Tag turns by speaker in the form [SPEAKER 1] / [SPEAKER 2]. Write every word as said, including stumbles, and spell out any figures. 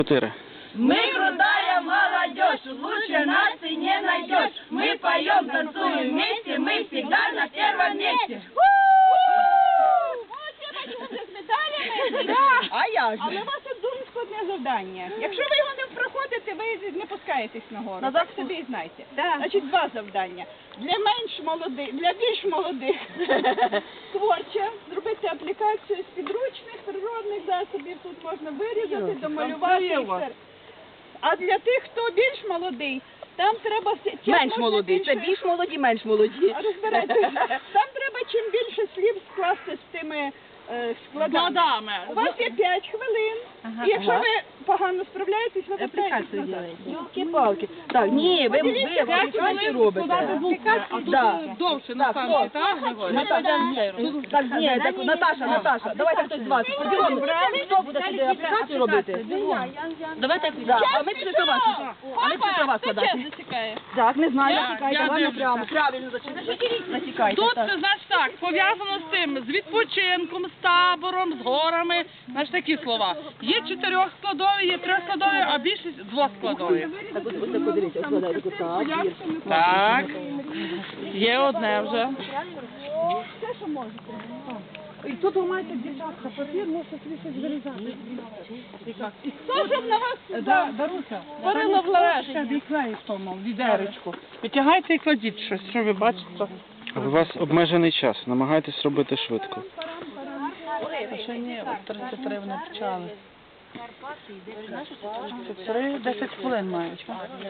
[SPEAKER 1] Четыре.
[SPEAKER 2] Мы крутая молодежь, лучше нас ты не найдешь. Мы поем, танцуем вместе, мы всегда на первом месте.
[SPEAKER 3] А я ж.
[SPEAKER 4] Але у вас є дуже складне завдання. Якщо ви його не проходите, ви не пускаєтесь нагору.
[SPEAKER 3] На
[SPEAKER 4] Так
[SPEAKER 3] запуск.
[SPEAKER 4] собі і знайте.
[SPEAKER 3] Да.
[SPEAKER 4] Значить, два завдання. Для менш молодих, для більш молодих творче зробити аплікацію з підручних природних засобів. Тут можна вирізати, домалювати. і все. А для тих, хто більш молодий, там треба все- чим
[SPEAKER 3] Менш
[SPEAKER 4] можна
[SPEAKER 3] молодий. Це
[SPEAKER 4] більше-
[SPEAKER 3] більш молоді, менш молоді.
[SPEAKER 4] А розбирайтеся. Там треба чим більше слів скласти з тими е, складами. У вас є п'ять хвилин. І якщо
[SPEAKER 3] Ага.
[SPEAKER 4] ви погано справляєтесь, ви вертаєтесь назад.
[SPEAKER 3] Йолки-палки. Так, ні, ви, ви аплікацію робите. Да.
[SPEAKER 5] Довше
[SPEAKER 3] Так,
[SPEAKER 5] на
[SPEAKER 3] стоп. Наташа, так, ні, так, Наташа, Наташа, давайте хтось з вас. Поділимо, хто буде сюди аплікацію робити? Давайте, да. А ми пішли до вас. А ми пішли до вас складати.
[SPEAKER 4] Зачекає.
[SPEAKER 3] Так, не знаю,
[SPEAKER 5] Я-
[SPEAKER 3] натікайте,
[SPEAKER 5] я
[SPEAKER 3] ладно,
[SPEAKER 5] дивлюся.
[SPEAKER 3] прямо, правильно, зачекайте. Натікайте,
[SPEAKER 5] Тут,
[SPEAKER 3] так.
[SPEAKER 5] це, значить так, пов'язано з тим, з відпочинком, з табором, з горами, значить такі слова. Є чотирьохскладові, є трьохскладові, а більшість двоскладові.
[SPEAKER 3] Так, ось, ось так, подивіться, складайте, так, вірш.
[SPEAKER 5] Так, є одне вже.
[SPEAKER 4] Все, що можете.
[SPEAKER 6] І тут ви маєте, дівчатка, папір, можете собі щось вирізати.
[SPEAKER 4] Хто щоб на вас
[SPEAKER 6] Да, Даруся,
[SPEAKER 5] Варила в лаваші.
[SPEAKER 6] і клеї в тому відеречку.
[SPEAKER 5] Витягайте і кладіть щось, що ви бачите.
[SPEAKER 1] У вас обмежений час. Намагайтесь робити швидко.
[SPEAKER 5] Ще ні, от тридцять три вони почали. тридцять три, десять хвилин мають.